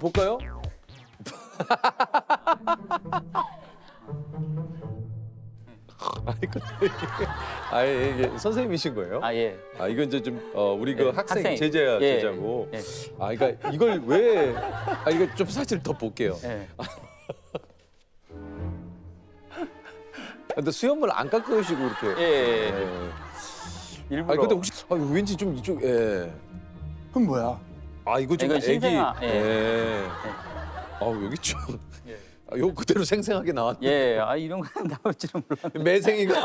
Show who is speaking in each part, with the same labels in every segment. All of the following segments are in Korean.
Speaker 1: 볼까요? 아니 근데 이게 선생님이신 거예요?
Speaker 2: 아 예.
Speaker 1: 아 이건 이제 좀 우리 그
Speaker 2: 예,
Speaker 1: 학생
Speaker 2: 학생.
Speaker 1: 제자야
Speaker 2: 예,
Speaker 1: 제자고.
Speaker 2: 예.
Speaker 1: 아 그러니까 이걸 왜? 아 이거 좀 사실 더 볼게요.
Speaker 2: 예.
Speaker 1: 근데 수염을 안 깎으시고 이렇게.
Speaker 2: 예.
Speaker 1: 예.
Speaker 2: 일부러.
Speaker 1: 아 근데 혹시 왠지 좀 이쪽 예.
Speaker 3: 그럼 뭐야?
Speaker 1: 아 이거 좀
Speaker 2: 이건
Speaker 1: 애기.
Speaker 2: 신생아, 예.
Speaker 1: 예. 아우 여기 좀.
Speaker 2: 예.
Speaker 1: 아, 요 그대로 생생하게 나왔네.
Speaker 2: 예. 아 이런 거 나올 줄은 몰랐는데.
Speaker 1: 매생이가.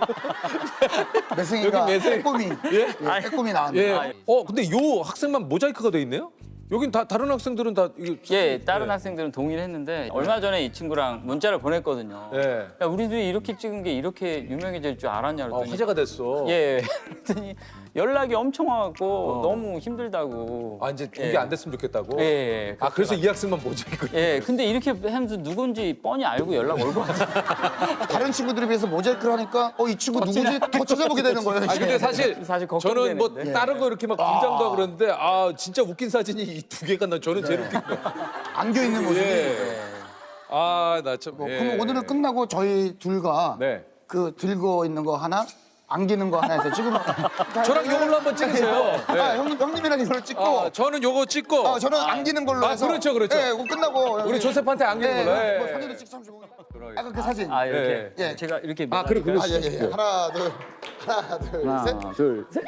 Speaker 3: 매생이가
Speaker 1: 여기 매생.
Speaker 3: 빼꼼히 빼꼼이 나왔네.
Speaker 1: 예.
Speaker 2: 아, 예.
Speaker 1: 근데 요 학생만 모자이크가 돼 있네요? 여긴 다 다른 학생들은 다 이거.
Speaker 2: 예, 다른
Speaker 1: 예.
Speaker 2: 학생들은 동일했는데 얼마 전에 이 친구랑 문자를 보냈거든요.
Speaker 1: 예.
Speaker 2: 야, 우리들이 이렇게 찍은 게 이렇게 유명해질 줄 알았냐 그랬더니
Speaker 1: 화제가 됐어.
Speaker 2: 예. 그랬더니 연락이 엄청 와갖고 너무 힘들다고.
Speaker 1: 아 이제 공개
Speaker 2: 예.
Speaker 1: 안 됐으면 좋겠다고.
Speaker 2: 예. 예.
Speaker 1: 아 그래서 이 학생만 모자이크.
Speaker 2: 예. 근데 이렇게 하면서 누군지 뻔히 알고 연락 올 것 같아요.
Speaker 3: 다른 친구들에 비해서 모자이크를 하니까 이 친구 누구지? 더 찾아보게 되는 거예요.
Speaker 1: 아 근데 사실
Speaker 2: 사실
Speaker 1: 저는 뭐
Speaker 2: 걱정되는데.
Speaker 1: 다른 거 이렇게 막 긴장도 하고 그러는데 아 진짜 웃긴 사진이 이 두 개가 저는 제일 웃긴 거.
Speaker 3: 안겨 있는 모습이.
Speaker 1: 예. 아나 참.
Speaker 3: 뭐,
Speaker 1: 예.
Speaker 3: 그럼 오늘은 끝나고 저희 둘과
Speaker 1: 네.
Speaker 3: 그 들고 있는 거 하나, 안기는 거 하나 해서 찍으면.
Speaker 1: 저랑 요걸로 한번 찍으세요. 네.
Speaker 3: 아, 형님이랑 이걸 찍고.
Speaker 1: 저는 요거 찍고.
Speaker 3: 저는 안기는 걸로 해서.
Speaker 1: 그렇죠.
Speaker 3: 예, 그거 끝나고.
Speaker 1: 우리 조셉한테 안기는 걸로. 예.
Speaker 3: 뭐 사진도 찍삼시고. 아까 그 사진.
Speaker 2: 아 이렇게
Speaker 3: 예.
Speaker 2: 제가 이렇게
Speaker 1: 아, 그래, 그래.
Speaker 3: 예. 하나, 둘, 셋.
Speaker 2: 하나 둘 셋.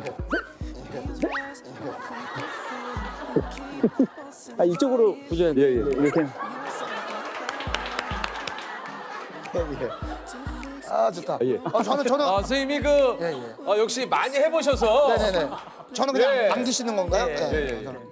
Speaker 2: 아 이쪽으로 보셔야 돼요. 이렇게.
Speaker 3: 아, 좋다.
Speaker 1: 예.
Speaker 3: 저는.
Speaker 1: 아 선생님이
Speaker 3: 예.
Speaker 1: 역시 많이 해보셔서.
Speaker 3: 네네네. 저는 그냥
Speaker 1: 예.
Speaker 3: 안기시는 건가요?
Speaker 2: 예,
Speaker 1: 예.
Speaker 3: 저는.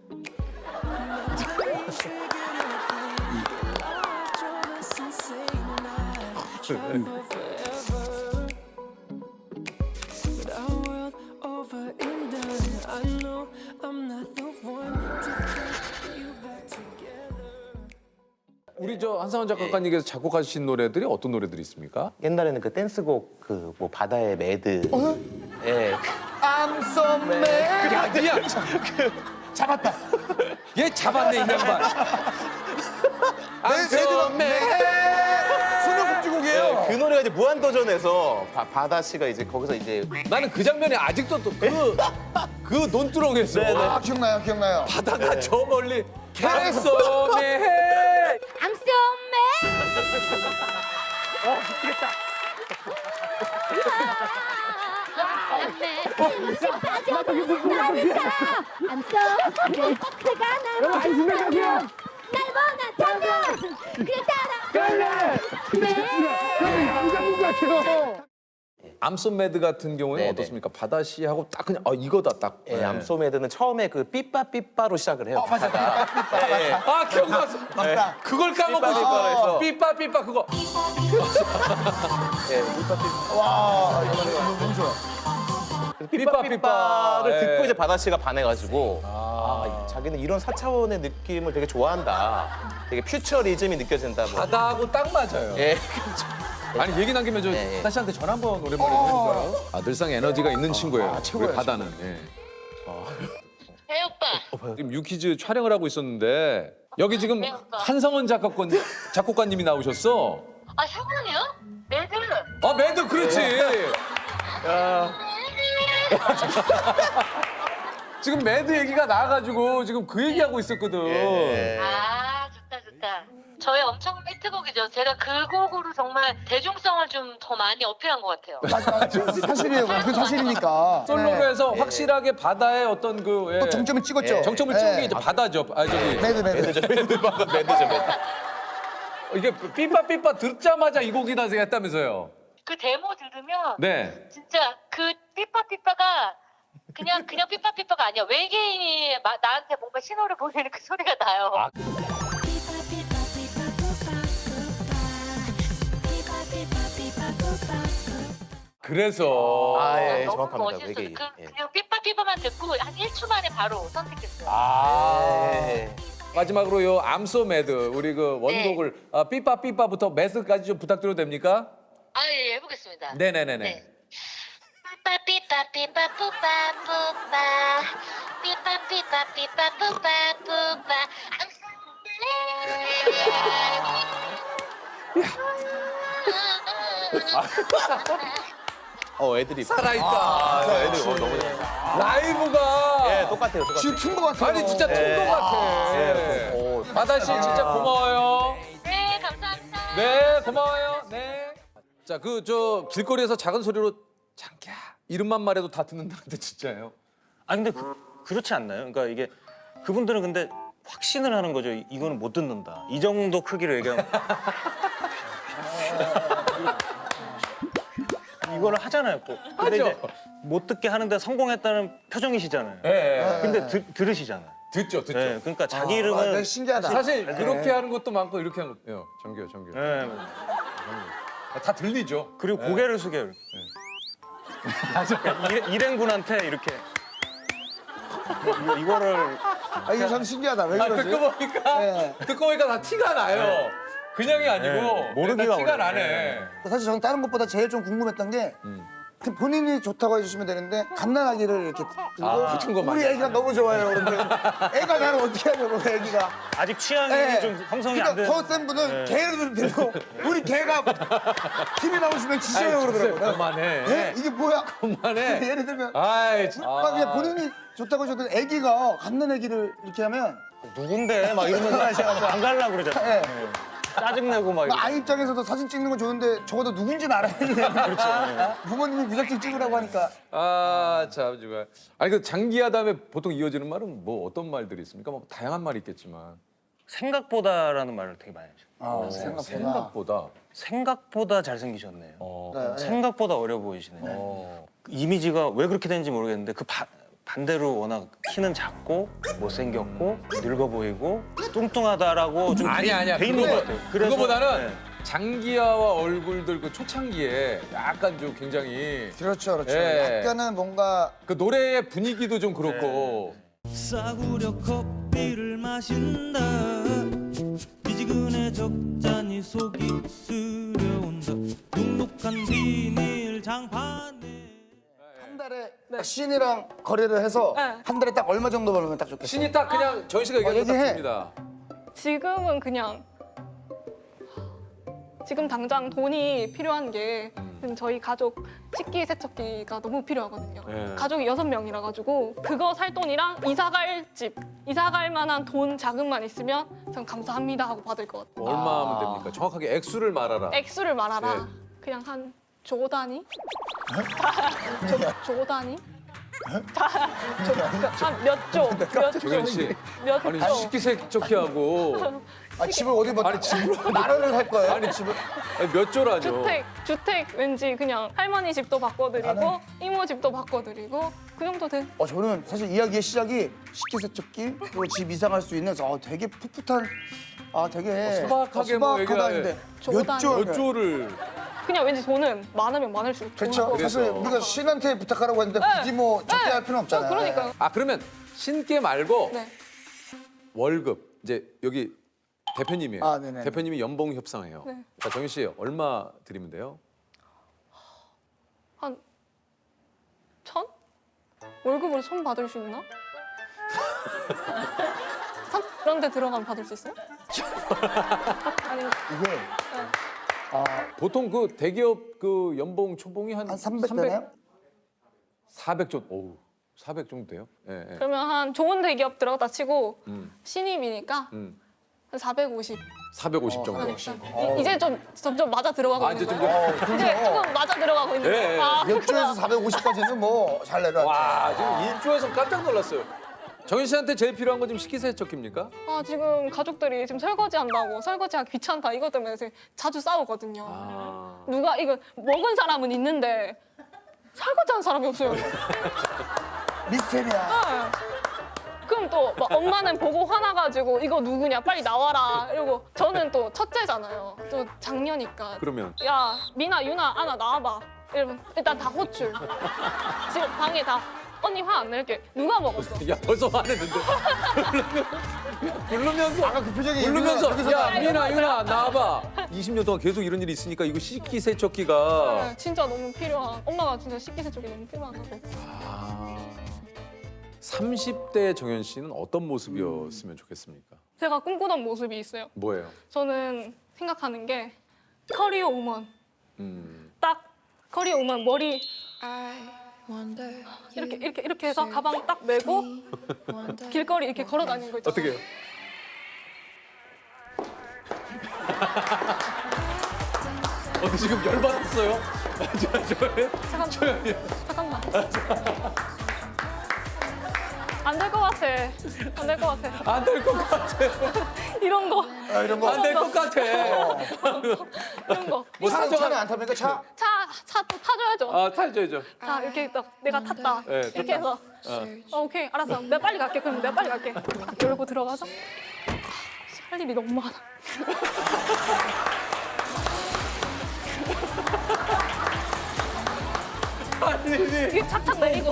Speaker 4: But our world over and done. I know I'm not the one to put you back together.
Speaker 1: 우리 저 한상원 작가님께서 작곡하신 노래들이 어떤 노래들이 있습니까?
Speaker 5: 옛날에는 그 댄스곡 그 뭐 바다의 매드. 예.
Speaker 3: I'm so mad.
Speaker 1: 아니야.
Speaker 3: 잡았다.
Speaker 1: 얘 잡았네 이 양반.
Speaker 3: 수능국지곡이에요.
Speaker 5: 그 노래가 이제 무한도전에서 바다 씨가 이제 거기서 이제
Speaker 1: 나는 그 장면이 아직도 또 그 논두렁에서
Speaker 3: 아, 기억나요.
Speaker 1: 바다가 저 멀리 캐서메.
Speaker 6: I'm so mad. I'm so mad. 그가 날 원한다면 날 원한다면 그 따라
Speaker 1: 암소 매드 같은 경우에는
Speaker 5: 네네.
Speaker 1: 어떻습니까? 바다 씨하고 딱 그냥 이거다 딱.
Speaker 5: 예, 암소매드는 처음에 그 삐빠삐빠로 시작을 해요.
Speaker 3: 맞아.
Speaker 1: 아 기억났어.
Speaker 3: 맞다.
Speaker 1: 그걸 까먹고
Speaker 5: 삐빠삐빠로
Speaker 1: 싶어.
Speaker 5: 해서.
Speaker 1: 삐빠 그거.
Speaker 5: 예, 삐빠삐빠.
Speaker 3: 와, 이거 너무 좋아.
Speaker 5: 삐빠삐빠를
Speaker 1: 예.
Speaker 5: 듣고 이제 바다 씨가 반해가지고 자기는 이런 4차원의 느낌을 되게 좋아한다. 되게 퓨처리즘이 느껴진다. 뭐.
Speaker 1: 바다하고 딱 맞아요.
Speaker 5: 예.
Speaker 1: 아니 얘기 남기면 저
Speaker 5: 예, 예.
Speaker 1: 다시 한테 전화 한번 오랜만에 해볼까요? 아 늘상 에너지가 있는 친구예요.
Speaker 3: 최고야,
Speaker 1: 우리 바다는. 예.
Speaker 7: 네 오빠.
Speaker 1: 지금 유퀴즈 촬영을 하고 있었는데 여기 지금
Speaker 7: 네, 오빠.
Speaker 1: 한성원 작곡가님이 나오셨어.
Speaker 7: 아 상원이요? 매드.
Speaker 1: 아 매드 그렇지. 지금 매드 얘기가 나와가지고 지금 그 얘기하고 있었거든.
Speaker 5: 예.
Speaker 7: 아 좋다. 저의 엄청 히트곡이죠. 제가 그 곡으로 정말 대중성을 좀 더 많이 어필한 것 같아요.
Speaker 3: 맞아. 사실이에요. 그 사실이니까.
Speaker 1: 솔로로
Speaker 3: 네.
Speaker 1: 해서 확실하게 바다의 어떤 그 예.
Speaker 3: 또 정점을 찍었죠.
Speaker 1: 정점을 찍은 게 이제 바다죠. 아 저기
Speaker 3: 매드.
Speaker 5: 매드죠, 매드.
Speaker 1: 이게 삐빠 듣자마자 이 곡이다 했다면서요.
Speaker 7: 그 데모 들으면
Speaker 1: 네.
Speaker 7: 진짜 그 삐빠삐빠가 그냥 삐빠삐빠가 아니야. 외계인이 나한테 뭔가 신호를 보내는 그 소리가 나요.
Speaker 1: 그래서
Speaker 5: 예,
Speaker 7: 너무
Speaker 5: 정확합니다.
Speaker 7: 멋있어.
Speaker 5: 외계인. 예.
Speaker 7: 그냥 삐빠삐빠만 듣고 한 1초 만에 바로 선택했어요.
Speaker 5: 예.
Speaker 1: 마지막으로 요 암소 매드 우리 그 원곡을 삐빠부터 매드까지 좀 부탁드려도 됩니까?
Speaker 7: 아, 예, 해보겠습니다.
Speaker 1: 네네네네.
Speaker 7: 네. 삐빠삐빠 삐빠 뿌빠 뿌빠 삐빠 삐빠 삐빠 뿌빠 뿌빠
Speaker 5: 애들이
Speaker 1: 살아있다.
Speaker 5: 애들 너무 잘한다.
Speaker 1: 라이브가
Speaker 5: 예, 똑같아요. 똑같아요.
Speaker 3: 지금 튼거 같아요.
Speaker 1: 아니 진짜 튼거 같아. 바다 씨 진짜 고마워요.
Speaker 7: 네 감사합니다.
Speaker 1: 네, 고마워요. 네. 자, 그 저 길거리에서 작은 소리로 장기야 이름만 말해도 다 듣는다는데 진짜예요?
Speaker 8: 아 근데 그렇지 않나요? 그러니까 이게 그분들은 근데 확신을 하는 거죠. 이거는 못 듣는다. 이 정도 크기로 얘기하면 이거를 하잖아요. 꼭. 근데
Speaker 1: 하죠.
Speaker 8: 이제 못 듣게 하는데 성공했다는 표정이시잖아요.
Speaker 1: 예.
Speaker 8: 근데 들으시잖아요.
Speaker 1: 듣죠, 듣죠.
Speaker 8: 네, 그러니까 자기
Speaker 3: 아,
Speaker 8: 이름은
Speaker 3: 신기하다.
Speaker 1: 사실 그렇게 하는 것도 많고 이렇게 하는 것도 정규요.
Speaker 8: 네,
Speaker 1: 다 들리죠.
Speaker 8: 그리고 고개를 숙여요. 일행분한테 이렇게 이거를
Speaker 3: 아, 이게 참 신기하다. 왜 그러지?
Speaker 1: 듣고 보니까
Speaker 3: 네.
Speaker 1: 듣고 보니까 다 티가 나요. 그냥이 아니고
Speaker 8: 네, 모르기가
Speaker 1: 다 티가
Speaker 8: 어려워요.
Speaker 1: 나네.
Speaker 3: 사실 저는 다른 것보다 제일 좀 궁금했던 게 그 본인이 좋다고 해주시면 되는데 갓난아기를 이렇게 들고
Speaker 1: 붙은 거 많이
Speaker 3: 우리 애기가 너무 좋아요. 그런데 애가 나를 어떻게 하냐고 애기가.
Speaker 8: 아직 취향이
Speaker 3: 네.
Speaker 8: 좀 형성이 안
Speaker 3: 그러니까
Speaker 8: 된.
Speaker 3: 더 센 분은
Speaker 8: 네.
Speaker 3: 개를 들고 우리 개가 힘이 나오시면 지셔요 그러더라고요.
Speaker 1: 그만해.
Speaker 3: 네? 이게 뭐야?
Speaker 1: 그만해.
Speaker 3: 예를 들면
Speaker 1: 아이, 참.
Speaker 3: 막 그냥 본인이 좋다고 하셔도 애기가 갓난아기를 이렇게 하면
Speaker 8: 누군데 막 이러면서 안 가려고 그러잖아요.
Speaker 3: 네.
Speaker 8: 짜증내고 막.
Speaker 3: 아이 입장에서도 사진 찍는 건 좋은데 적어도 누군지는 알아야 되잖아요. 그렇죠. 부모님이 무작정 찍으라고 하니까.
Speaker 1: 아, 참 정말. 아니 그 장기야 다음에 보통 이어지는 말은 뭐 어떤 말들이 있습니까? 뭐 다양한 말이 있겠지만.
Speaker 8: 생각보다라는 말을 되게 많이 하죠.
Speaker 1: 생각보다.
Speaker 8: 생각보다 잘생기셨네요.
Speaker 3: 네.
Speaker 8: 생각보다 어려 보이시네요. 이미지가 왜 그렇게 되는지 모르겠는데 그 반대로 워낙 키는 작고 못생겼고 늙어 보이고 뚱뚱하다라고 좀
Speaker 1: 아니야.
Speaker 8: 돼 있는 것 같아요. 그래서
Speaker 1: 그거보다는
Speaker 8: 네.
Speaker 1: 장기야와 얼굴들 그 초창기에 약간 좀 굉장히
Speaker 3: 그렇죠, 그렇죠.
Speaker 1: 예.
Speaker 3: 약간은 뭔가
Speaker 1: 그 노래의 분위기도 좀 그렇고.
Speaker 9: 싸구려 커피를 마신다 미지근해 적잖이 속이 쓰려온다 눅눅한 비닐 장판에
Speaker 3: 한 달에 딱 신이랑 거래를 해서 한 달에 딱 얼마 정도 벌면 딱 좋겠어요.
Speaker 1: 신이 딱 그냥 전 씨가 얘기한 거
Speaker 3: 얘기해.
Speaker 1: 같습니다.
Speaker 10: 지금은 그냥 지금 당장 돈이 필요한 게 저희 가족 식기 세척기가 너무 필요하거든요. 가족이 6명이라 가지고 그거 살 돈이랑 이사 갈 집, 이사 갈 만한 돈 자금만 있으면 전 감사합니다 하고 받을 것 같아요.
Speaker 1: 얼마 하면 됩니까? 정확하게 액수를 말하라.
Speaker 10: 액수를 말하라. 그냥 한 조 단위? 조 단위? 한 몇 조? 몇 조?
Speaker 1: 조현 씨.
Speaker 10: 몇
Speaker 1: 아니
Speaker 10: 조?
Speaker 1: 식기세척기하고
Speaker 3: 아, 집을 어디 뭐
Speaker 1: 아니, 집을-
Speaker 3: 나라를 할 거예요?
Speaker 1: 아니 집을 아니, 몇 조라죠?
Speaker 10: 주택 왠지 그냥 할머니 집도 바꿔드리고 이모 집도 바꿔드리고 그 정도 돼.
Speaker 3: 저는 사실 이야기의 시작이 식기세척기 그리고 집 이상할 수 있는 되게 풋풋한 되게
Speaker 1: 소박하게 뭐
Speaker 3: 소박하다는데
Speaker 10: 조
Speaker 3: 몇
Speaker 10: 단위.
Speaker 3: 조?
Speaker 1: 몇 조를
Speaker 10: 그냥 왠지 돈은 많으면 많을수록 좋을
Speaker 3: 그렇죠.
Speaker 10: 것 같아요.
Speaker 3: 사실 우리가 신한테 부탁하라고 했는데 굳이 뭐 적게 할 필요는 없잖아요.
Speaker 10: 그러니까요.
Speaker 1: 아 그러면 신께 말고
Speaker 10: 네.
Speaker 1: 월급 이제 여기 대표님이에요.
Speaker 3: 아, 네네.
Speaker 1: 대표님이 연봉 협상해요.
Speaker 10: 네.
Speaker 1: 자 정희 씨 얼마 드리면 돼요?
Speaker 10: 한 1,000? 월급으로 1,000 받을 수 있나? 그런 데 들어가면 받을 수 있어요? 아니,
Speaker 3: 이게
Speaker 1: 보통 그 대기업 그 연봉 초봉이 한
Speaker 3: 300 되나요?
Speaker 1: 400 정도. 오우 400 정도 돼요? 예. 예.
Speaker 10: 그러면 한 좋은 대기업 들어갔다 치고
Speaker 1: 음.
Speaker 10: 신입이니까
Speaker 1: 음.
Speaker 10: 한 450.
Speaker 1: 450 정도.
Speaker 10: 이제 좀 점점 맞아 들어가고
Speaker 1: 아,
Speaker 10: 있는
Speaker 1: 이제
Speaker 10: 거예요.
Speaker 1: 좀
Speaker 10: 이제 조금 맞아 들어가고 있는
Speaker 1: 예,
Speaker 10: 거예요.
Speaker 1: 예.
Speaker 10: 아,
Speaker 3: 몇 조에서 450까지는 뭐 잘 내려.
Speaker 1: 와 지금 1조에서 깜짝 놀랐어요. 정희 씨한테 제일 필요한 건 지금 식기세척기입니까?
Speaker 10: 아, 지금 가족들이 지금 설거지 한다고 설거지하기 귀찮다 이것 때문에 자주 싸우거든요.
Speaker 1: 아.
Speaker 10: 누가 이거 먹은 사람은 있는데 설거지하는 사람이 없어요.
Speaker 3: 미스테리야.
Speaker 10: 그럼 또 막 엄마는 보고 화나가지고 이거 누구냐 빨리 나와라 이러고 저는 또 첫째잖아요. 또 장녀니까
Speaker 1: 그러면
Speaker 10: 야 미나 유나 아나 나와봐 이러면 일단 다 호출. 지금 방에 다 언니 화 안 낼게. 누가 먹었어?
Speaker 1: 야 벌써 화냈는데. 부르면서
Speaker 3: 아까 그 표정이
Speaker 1: 부르면서 야 미나 유나 나와봐. 20년 동안 계속 이런 일이 있으니까 이거 식기세척기가
Speaker 10: 네, 진짜 너무 필요한. 엄마가 진짜 식기세척이 너무 필요하다고.
Speaker 1: 30대 정현 씨는 어떤 모습이었으면 좋겠습니까?
Speaker 10: 제가 꿈꾸던 모습이 있어요.
Speaker 1: 뭐예요?
Speaker 10: 저는 생각하는 게 커리어 우먼. 딱 커리어 우먼 머리 이렇게 해서 가방 딱 메고 길거리 이렇게 걸어 다니는 거 있잖아요.
Speaker 1: 어떻게 해요? 지금 열받았어요?
Speaker 10: 잠깐만. 안 될 것 같아. 안 될 것 같아.
Speaker 1: 안 될 것 같아.
Speaker 10: 이런 거.
Speaker 3: 이런 거.
Speaker 1: 안 될 것 같아.
Speaker 10: 이런 거.
Speaker 1: 뭐
Speaker 3: 차는
Speaker 1: 사정한
Speaker 3: 안 탑니까 차?
Speaker 10: 차 또 타줘야죠.
Speaker 1: 아 타줘야죠.
Speaker 10: 자 이렇게 딱 내가 탔다.
Speaker 1: 네,
Speaker 10: 이렇게 해서 오케이 알았어. 내가 빨리 갈게. 그럼 내가 빨리 갈게. 열고 들어가서 할 일이 너무 많아. 이게 착착 내리고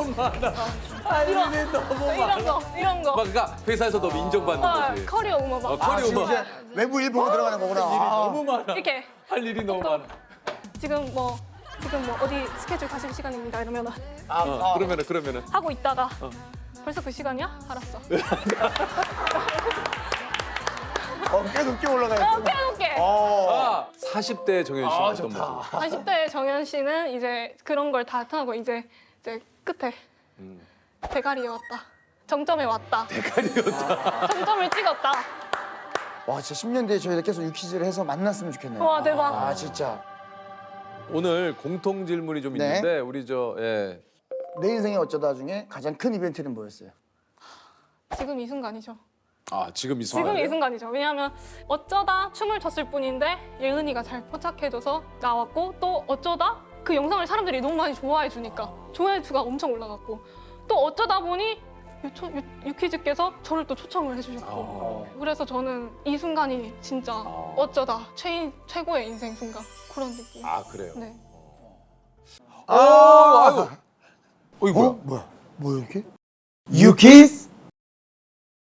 Speaker 10: 이런 거.
Speaker 1: 막 그러니까 회사에서 너무 인정받는 거지.
Speaker 10: 커리어 우먼 막
Speaker 1: 커리어
Speaker 3: 지금
Speaker 1: 막
Speaker 3: 이제 외부 일 보고 들어가는 거구나.
Speaker 1: 일이 너무 많아.
Speaker 10: 이렇게
Speaker 1: 할 일이 너무 많아.
Speaker 10: 지금 뭐 어디 스케줄 가실 시간입니다 이러면은
Speaker 1: 그러면은
Speaker 10: 하고 있다가 벌써 그 시간이야? 알았어.
Speaker 3: 꽤 높게 올라가요.
Speaker 10: 깨놓게.
Speaker 1: 40대 정현 씨는 어떤 모습?
Speaker 10: 40대 정현 씨는 이제 그런 걸 다 하고 이제 끝에 대가리에 왔다. 정점에 왔다. 대가리였다. 정점을 찍었다.
Speaker 3: 와 진짜 10년 뒤에 저희가 계속 유퀴즈를 해서 만났으면 좋겠네요.
Speaker 10: 와 대박.
Speaker 3: 아 진짜
Speaker 1: 오늘 공통 질문이 좀
Speaker 3: 네.
Speaker 1: 있는데 우리
Speaker 3: 내 인생에 어쩌다 중에 가장 큰 이벤트는 뭐였어요?
Speaker 10: 지금 이 순간이죠.
Speaker 1: 지금 이 순간.
Speaker 10: 지금 이 순간이죠. 왜냐하면 어쩌다 춤을 췄을 뿐인데 예은이가 잘 포착해줘서 나왔고 또 어쩌다 그 영상을 사람들이 너무 많이 좋아해 주니까 조회수가 엄청 올라갔고 또 어쩌다 보니 유퀴즈께서 저를 또 초청을 해주셨고 그래서 저는 이 순간이 진짜 어쩌다 최고의 인생 순간 그런 느낌.
Speaker 1: 그래요.
Speaker 10: 네.
Speaker 1: 아유. 이거 뭐야?
Speaker 3: 뭐야 이렇게? 유퀴즈